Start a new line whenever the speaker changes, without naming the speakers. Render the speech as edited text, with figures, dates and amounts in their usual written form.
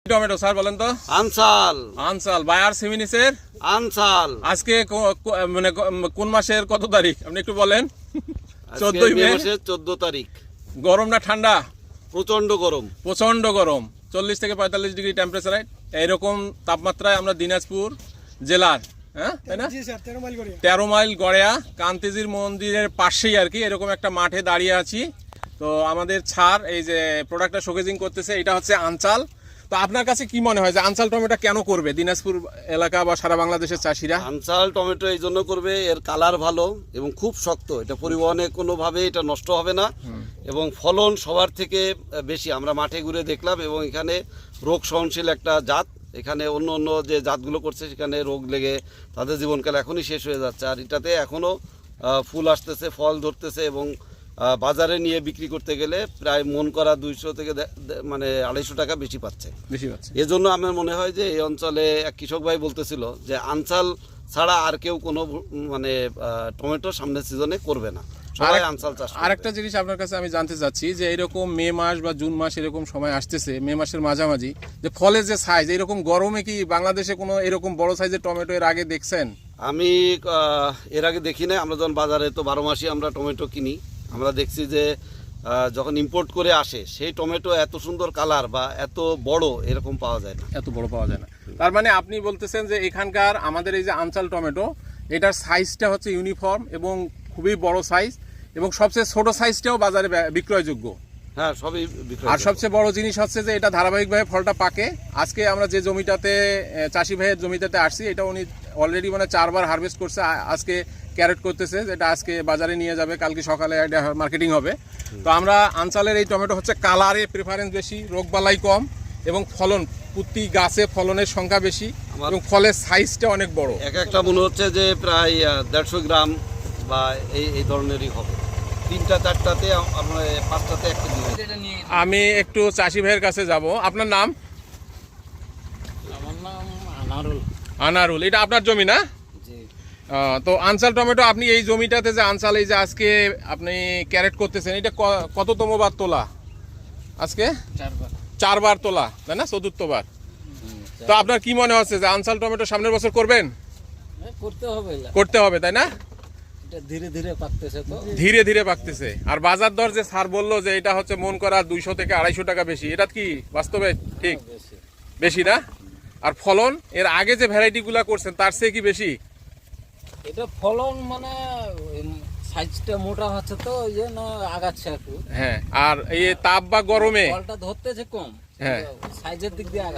Tomato sir বলেন তো।
আনসাল।
আনসাল বায়ার সেমিনিসের
আনসাল।
আজকে মানে কোন মাসের কত তারিখ আপনি একটু বলেন?
14 মে মাসের 14 তারিখ।
গরম না ঠান্ডা?
প্রচন্ড গরম।
প্রচন্ড গরম, 40 থেকে 45 ডিগ্রি টেম্পারেচার। এইরকম তাপমাত্রায় আমরা দিনাজপুর জেলার, হ্যাঁ তাই না, 13 মাইল গড়িয়া কান্তিজির মন্দিরের পাশেই আর কি এরকম একটা মাঠে দাঁড়িয়ে আছি। তো আমাদের ছাড় এই যে প্রোডাক্টটা শোকেজিং করতেছে, এটা হচ্ছে আনচাল। তো আপনার কাছে কি মনে হয় যে আনচাল টমেটো কেন করবে দিনাজপুর এলাকা বা সারা বাংলাদেশের চাষিরা?
আনসাল টমেটো এই জন্য করবে, এর কালার ভালো এবং খুব শক্ত, এটা পরিবহনে কোনোভাবে এটা নষ্ট হবে না এবং ফলন সবার থেকে বেশি। আমরা মাঠে ঘুরে দেখলাম এবং এখানে রোগ সহনশীল একটা জাত। এখানে অন্য অন্য যে জাতগুলো করছে সেখানে রোগ লেগে তাদের জীবনকাল এখনই শেষ হয়ে যাচ্ছে, আর এটাতে এখনও ফুল আসতেছে, ফল ধরতেছে এবং বাজারে নিয়ে বিক্রি করতে গেলে প্রায় মন করা 200 থেকে মানে 250 টাকা বেশি পাচ্ছে। এজন্য আমার মনে হয় যে এই অঞ্চলে এক কৃষক ভাই বলতেছিল যে আনসাল ছাড়া আর কেউ কোনো মানে টমেটো সামনের সিজনে করবে না, সবাই আনসাল চাষ করবে।
আরেকটা জিনিস আপনার কাছে আমি জানতে চাচ্ছি যে এরকম মে মাস বা জুন মাস এরকম সময় আসতেছে, মে মাসের মাঝামাঝি, যে ফলের যে সাইজ, এরকম গরমে কি বাংলাদেশে কোনো এরকম বড় সাইজের টমেটো এর আগে দেখছেন?
আমি এর আগে দেখি না। আমরা যখন বাজারে তো 12 মাসই আমরা টমেটো কিনি, আমরা দেখছি যে যখন ইম্পোর্ট করে আসে সেই টমেটো এত সুন্দর কালার বা এত বড় এরকম পাওয়া যায় না,
এত বড় পাওয়া যায় না। তার মানে আপনি বলতেছেন যে এখানকার আমাদের এই যে আনচাল টমেটো, এটার সাইজটা হচ্ছে ইউনিফর্ম এবং খুবই বড় সাইজ, এবং সবচেয়ে ছোট সাইজটাও বাজারে বিক্রয়যোগ্য।
হ্যাঁ, সবই বিক্রয়।
আর সবচেয়ে বড় জিনিস হচ্ছে যে এটা ধারাবাহিকভাবে ফলটা পাকে। আজকে আমরা যে জমিটাতে চাষি ভাইয়ের জমিটাতে আসছি, এটা উনি অলরেডি মানে 4 বার হারভেস্ট করছে, আজকে ক্যারেট করতেছে, যেটা আজকে বাজারে নিয়ে যাবে, কালকে সকালে মার্কেটিং হবে। তো আমরা আনচালের এই টমেটো হচ্ছে কালারে প্রেফারেন্স বেশি, রোগবালাই কম এবং ফলন প্রতি গাছে ফলনের সংখ্যা বেশি এবং ফলের সাইজটা অনেক বড়।
একটা মনে হচ্ছে যে প্রায় 150 গ্রাম বা এই ধরনেরই হবে। 3টা 4টাতে আমরা 5টাতে একটা দিয়ে।
আমি একটু চাষি ভাইয়ের কাছে যাব। আপনার নাম?
আমার নাম আনারুল।
আনারুল, এটা আপনার জমি না?
জি।
তো আনচাল টমেটো আপনি এই জমিটাতে যে আনচাল এই যে আজকে আপনি ক্যারেট করতেছেন, এটা কততম বার তোলা আজকে? 4 বার তোলা, তাই না? 4র্থ বার। তো আপনার কি মনে হচ্ছে যে আনচাল টমেটো সামনের বছর করবেন? করতে হবে, তাই না?
এটা ধীরে ধীরে পাকতেছে, তো
ধীরে ধীরে পাকতেছে। আর বাজার দর যে স্যার বললো যে এটা হচ্ছে মন করা 200 থেকে 250 টাকা বেশি, এটা কি বাস্তবে ঠিক? বেশি না? আর ফলন এর আগে যে ভ্যারাইটিগুলো করছেন তার চেয়ে কি বেশি?
এটা ফলন মানে সাইজটা মোটা হচ্ছে, তো ওই জন্য আগাচ্ছে একটু।
হ্যাঁ, আর এই তাপ বা গরমে
ফলটা ধরতেছে কম,
হ্যাঁ,
সাইজের দিক দিয়ে